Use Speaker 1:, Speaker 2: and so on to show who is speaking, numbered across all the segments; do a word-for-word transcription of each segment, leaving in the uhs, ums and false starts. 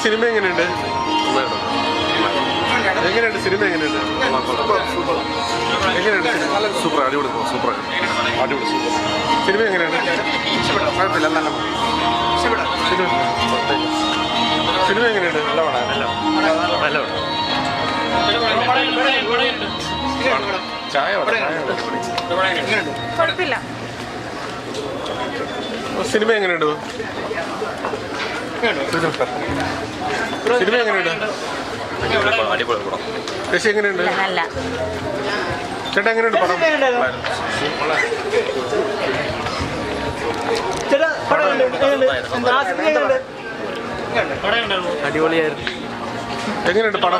Speaker 1: Cinema എങ്ങനെയുണ്ട്? എങ്ങനെയുണ്ട് cinema? എങ്ങനെയുണ്ട്? എങ്ങനെയുണ്ട് സിനിമ?
Speaker 2: സൂപ്പർ, അടിപൊളി സൂപ്പർ അടിപൊളി സൂപ്പർ.
Speaker 1: സിനിമ എങ്ങനെയുണ്ട്?
Speaker 2: കുഴപ്പമില്ല, നല്ല
Speaker 1: സിനിമ സിനിമ എങ്ങനെയുണ്ട്?
Speaker 2: നല്ല പടം, നല്ല നല്ല പടം. ചായ
Speaker 3: കുഴപ്പമില്ല.
Speaker 1: സിനിമ എങ്ങനെയുണ്ട്? സിനിമ എങ്ങനെയുണ്ട്?
Speaker 2: അടിപൊളി പടം.
Speaker 1: ചേച്ചി എങ്ങനെയുണ്ട്?
Speaker 3: നല്ല
Speaker 1: ചേട്ടാ എങ്ങനെയുണ്ട് പടം?
Speaker 4: അടിപൊളിയായിരുന്നു.
Speaker 1: എങ്ങനെയുണ്ട് പടം?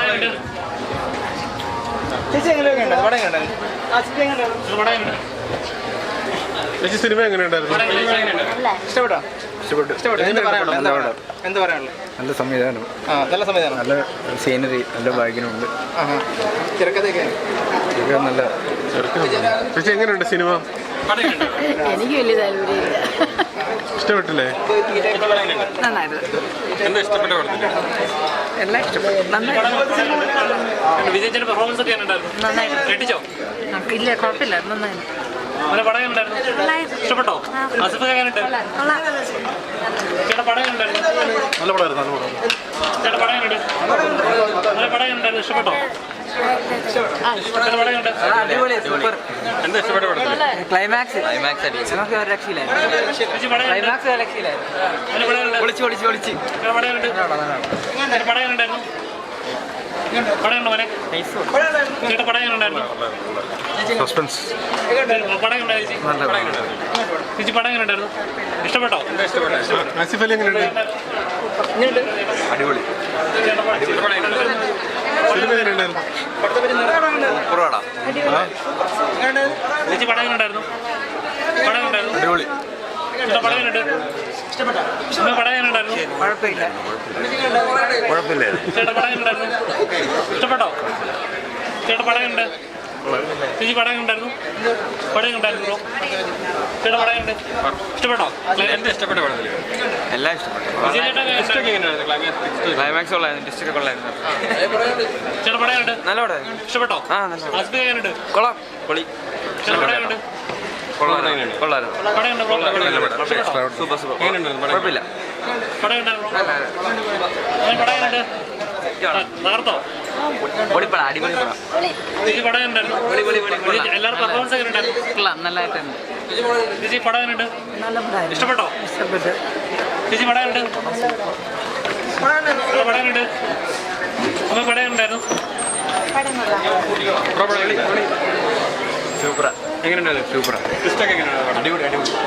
Speaker 1: ചേച്ചി സിനിമ എങ്ങനെയുണ്ടായിരുന്നു?
Speaker 4: ഇഷ്ടപ്പെട്ടോ?
Speaker 1: ഇഷ്ടപ്പെട്ടു.
Speaker 4: എന്ത് പറയാനുള്ളത്?
Speaker 5: നല്ല സംവിധാനം,
Speaker 4: നല്ല സംവിധാനം,
Speaker 5: നല്ല സീനറി, നല്ല ബാഗിനുണ്ട്.
Speaker 4: തിരക്കഥയൊക്കെ
Speaker 5: നല്ല
Speaker 1: ചേച്ചി എങ്ങനെയുണ്ട് സിനിമ?
Speaker 3: എനിക്ക് വലിയ താല്പര്യമില്ല.
Speaker 1: ഇഷ്ടപ്പെട്ടില്ലേ?
Speaker 3: നന്നായിരുന്നു.
Speaker 2: എന്താ ഇഷ്ടപ്പെട്ട പടത്തിൽ?
Speaker 3: എല്ലാം ഇഷ്ടപ്പെട്ടു. നന്നായിരുന്നു.
Speaker 6: വിജയിച്ചതിന്റെ പെർഫോമൻസ് ഒക്കെ ഉണ്ടായിരുന്നു.
Speaker 3: നന്നായിരുന്നു.
Speaker 6: ഞെട്ടിച്ചോ?
Speaker 3: ഇല്ല കുഴപ്പമില്ല. നന്നായിരുന്നു.
Speaker 6: നല്ല പടം ഉണ്ടായിരുന്നു. ഇഷ്ടപ്പെട്ടോ? ആസിഫ് എങ്ങനെയുണ്ട്? ചേട്ടാ പടം ഉണ്ടായിരുന്നു.
Speaker 2: നല്ല പടമായിരുന്നു, നല്ല പടം.
Speaker 6: ചേട്ടാ പടം ഉണ്ട്. നല്ല പടം ഉണ്ടായിരുന്നു. ഇഷ്ടപ്പെട്ടോ? ചേട്ടാ പടം ഉണ്ട്.
Speaker 4: അടിപൊളി, സൂപ്പർ.
Speaker 2: എന്താ ഇഷ്ടപ്പെട്ട പടത്തിൽ?
Speaker 4: ക്ലൈമാക്സ് നമുക്ക് ഒരു രക്ഷയില്ലായിരുന്നു.
Speaker 6: ചേച്ചി പടം ഉണ്ട്.
Speaker 4: ക്ലൈമാക്സ് ഒരു രക്ഷയില്ലായിരുന്നു.
Speaker 6: നല്ല പടം ഉണ്ട്.
Speaker 4: ഒളിച്ച് ഒളിച്ച് ഒളിച്ച്
Speaker 6: ചേട്ടാ പടം ഉണ്ട്. ചേട്ടാ പടം ഉണ്ടായിരുന്നു. പടം ഉണ്ടോ മോനെ? ചേട്ടാ പടം ഉണ്ടായിരുന്നു.
Speaker 2: സസ്പെൻസ്.
Speaker 6: പടം ഉണ്ടായി ചേച്ചി. ചേച്ചി പടം എങ്ങനെ ഉണ്ടായിരുന്നു? ഇഷ്ടപ്പെട്ടോ?
Speaker 1: ആസിഫ് അലി എങ്ങനെയുണ്ട്?
Speaker 5: അടിപൊളി.
Speaker 1: സിനിമ എങ്ങനെയുണ്ടായിരുന്നു?
Speaker 6: ചേച്ചി പടം എങ്ങനെ ഉണ്ടായിരുന്നു? പടം ഉണ്ടായിരുന്നു.
Speaker 2: അടിപൊളി.
Speaker 6: ചേട്ടാ പടം എങ്ങനെ ഉണ്ട്? ഇഷ്ടപ്പെട്ടോ? പടം എങ്ങനെ ഉണ്ടായിരുന്നു?
Speaker 4: കുഴപ്പമില്ല.
Speaker 2: കുഴപ്പമില്ലേ?
Speaker 6: ചേട്ടാ പടം എങ്ങനെ ഉണ്ടായിരുന്നു? ഇഷ്ടപ്പെട്ടോ? ചേട്ടാ പടം ഉണ്ട്. ചേച്ചി പടം ഉണ്ടായിരുന്നു. പടം ഉണ്ടായിരുന്നു ബ്രോ. ചേട്ടാ പടം ഉണ്ട്. ഇഷ്ടപ്പെട്ടോ?
Speaker 2: എന്താ ഇഷ്ടപ്പെട്ട പടത്തിൽ?
Speaker 5: എല്ലാം ഇഷ്ടപ്പെട്ടു. ക്ലൈമാക്സ് കൊള്ളായിരുന്നു, ഡിസ്ട്രിക്ട് കൊള്ളായിരുന്നു.
Speaker 6: ചേട്ടാ പടം ഉണ്ട്.
Speaker 5: നല്ല പടം.
Speaker 6: ഇഷ്ടപ്പെട്ടോ?
Speaker 5: ആ നല്ല
Speaker 6: ആസിഫ് എങ്ങനെയുണ്ട്?
Speaker 5: കൊള്ളാം. പൊളി.
Speaker 6: ചേട്ടാ പടം ഉണ്ട്.
Speaker 5: കൊള്ളായിരുന്നു.
Speaker 6: പടം ഉണ്ട് ബ്രോ.
Speaker 5: Super super. കുഴപ്പമില്ല.
Speaker 6: പടം ഉണ്ടായിരുന്നു. പടം ഉണ്ട്. നേർത്തോ?
Speaker 5: പൊളിപ്പട, അടിപൊളി പടം.
Speaker 6: ചേച്ചി പടം ഉണ്ടായിരുന്നു. എല്ലാവരും പെർഫോമൻസ് എങ്ങനെ ഉണ്ടായിരുന്നു?
Speaker 3: നല്ലതായിട്ടുണ്ട്.
Speaker 6: ചേച്ചി പടം എങ്ങനെയുണ്ട്?
Speaker 3: നല്ല പടമായിരുന്നു.
Speaker 6: ഇഷ്ടപ്പെട്ടോ?
Speaker 3: ഇഷ്ടപ്പെട്ടു.
Speaker 6: ചേച്ചി പടം ഉണ്ട്. പടം ഉണ്ട്. അമ്മ പടം ഉണ്ടായിരുന്നു.
Speaker 5: സൂപ്പറാ.
Speaker 2: എങ്ങനെയുണ്ടായിരുന്നു?
Speaker 5: സൂപ്പറാ.
Speaker 2: അടിപൊളി അടിപൊളി.